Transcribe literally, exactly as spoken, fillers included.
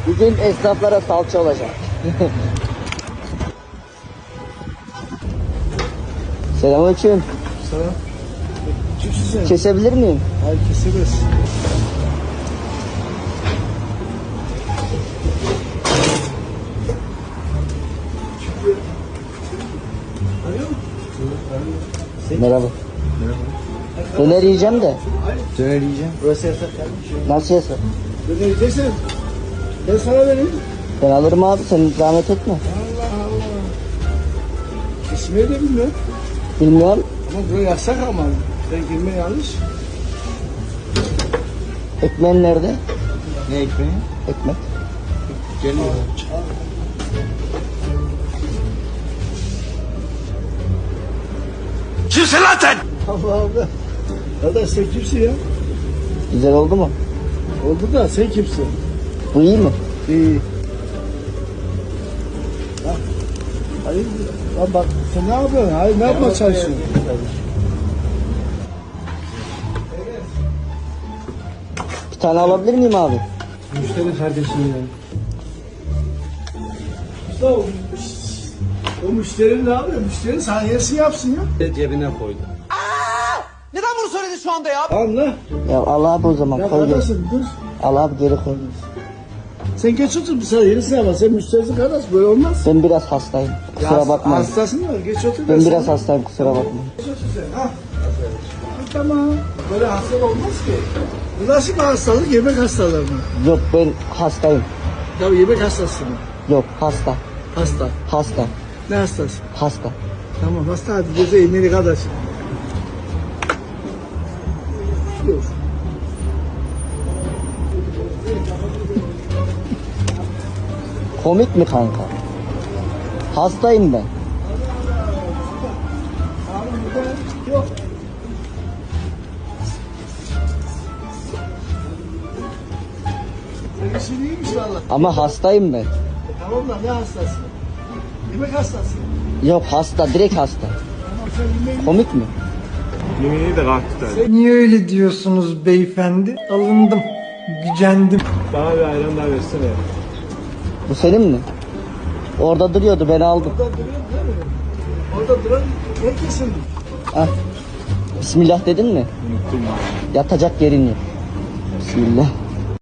Bir gün esnaflara salça olacak. Selamünaleyküm. Selam. Kimsin sen? Kesebilir miyim? Hayır, kesemez. Merhaba. Döner yiyeceğim de. Döner yiyeceğim. Burası yasak kardeşim. Nasıl yasak? Döner yiyeceksen ben sana vereyim. Ben alırım abi, sen zahmet etme. Allah Allah. Kesmeyi de bilmiyorum. Bilmiyorum. Ama burası yasak ama. Ben girme yanlış. Ekmeğin nerede? Ne ekmeği? Ekmek. Geliyor. Kimsin lan sen? Allah Allah. Arkadaş sen kimsin ya? Güzel oldu mu? Oldu da sen kimsin? Bu iyi mi? İyi. Bak. Hayır. Lan bak sen ne yapıyorsun? Hayır ne yapmaya çalışıyorsun? Bir tane alabilir miyim abi? Müşteri kardeşim ya. İşte o, o müşteri ne yapıyor? Müşteri saniyesi yapsın ya. Cebine koydu. Neden bunu söyledin şu anda ya? Anla. Ya al abi o zaman, Ya koy geri. kardeşim dur. Al abi, geri koy. Sen geç otur bir saniye yenisine ama sen müşterisin kardeş böyle olmaz. Ben biraz hastayım. Kusura Ya, bakmayın. hastasın da geç otur. Ben sana- biraz hastayım, kusura bakmayın. Geç otur sen ha. Ha, tamam. Böyle hastalık olmaz ki. Bu nasıl bir hastalık? Yemek hastalığı mı? Yok, ben hastayım. Ya yemek hastası mı? Yok, hasta. Hasta. Hasta. Ne hastası? Hasta. Tamam hasta hadi göze eğmeli kardeş. Yok. Komik mi kanka? Hastayım ben. Abi burada yok. Senin işin iyiymiş valla. Ama hastayım ben. Tamam da ne hastası? Yemek hastası. Yok, hasta, direkt hasta. Tamam sen yemeği Komik mi? Yemeğini de kalktı tabii. Niye öyle diyorsunuz beyefendi? Alındım, gücendim. Bana bir ayran daha versene. Bu senin mi? Orada duruyordu, ben aldım. orada duruyor değil mi? Orada duran herkesin. Ah. Bismillah dedin mi? Unuttum ya. Yatacak yerin yok. Bismillah.